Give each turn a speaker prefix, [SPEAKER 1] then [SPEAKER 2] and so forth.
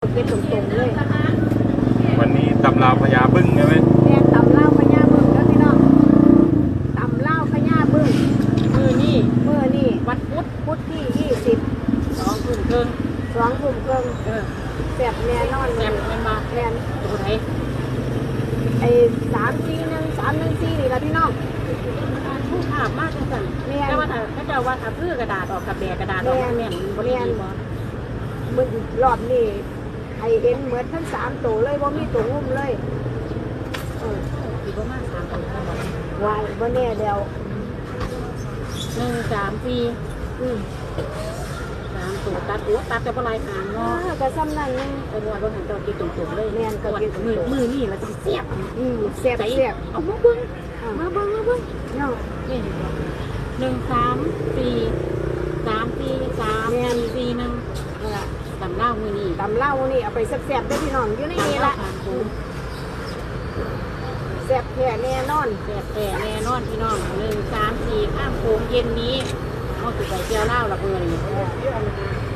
[SPEAKER 1] เก็บตรงๆเลย
[SPEAKER 2] วันนี้ตำราวพญาบึ้งใช่ไหม
[SPEAKER 1] แม่ตำเล่าพญาบึ้งแล้วพี่น้องตำเล่าพญาบึ้งมือนี่วันพุธที่20
[SPEAKER 3] 2 ทุ่มครึ่ง
[SPEAKER 1] 2 ทุ่มครึ่งแซ่บแน่นอนเลย
[SPEAKER 3] แม่มา
[SPEAKER 1] แม่น
[SPEAKER 3] ตัวไหน
[SPEAKER 1] ไอ้341 นี่ล่ะพี่น้อง
[SPEAKER 3] ผู้ภาพมากจังซั่นแต่ว่าถ้าเจ้าว่าถ้าพื้อกระดาษออกกับแบกกระดาษออกแม่นบ่ได้ดีบ่
[SPEAKER 1] มึงรอบนี้ให้เห็นเหมือนทั้ง3ตัวเลยบ่มีตัวงุ่มเลย
[SPEAKER 3] สิบ่มา3ตัวบ่
[SPEAKER 1] วายบ่แน่แล้ว
[SPEAKER 3] 1 3 4 3ตัวตัดหัวตัดแต่บ่ลายหางเนาะ
[SPEAKER 1] ก็ซ้ำนั่นนึง
[SPEAKER 3] ไอ้บ่ว่าหันเจ้ากินตุ่มๆเลย
[SPEAKER 1] แม่นก็กินตุ่มๆ
[SPEAKER 3] มือนี่แล้วจะเสียบ
[SPEAKER 1] แซ่บ
[SPEAKER 3] ใจ
[SPEAKER 1] แซ่บ
[SPEAKER 3] เอามาเบิ่ง
[SPEAKER 1] เนาะ
[SPEAKER 3] นี่1 3 4 3 4 3 4 1ตำเล่ามือนี่
[SPEAKER 1] ตำเล่านี่เอาไปแซ่บๆได้พี่น้องอยู่ในนี้ละแซ่บแท้แน่นอน
[SPEAKER 3] แต่แน่นอนพี่น้อง1 3 4ข้ามโค้งเย็นนี้เอาสิไปเที่ยวเล่าละเบอร์นี่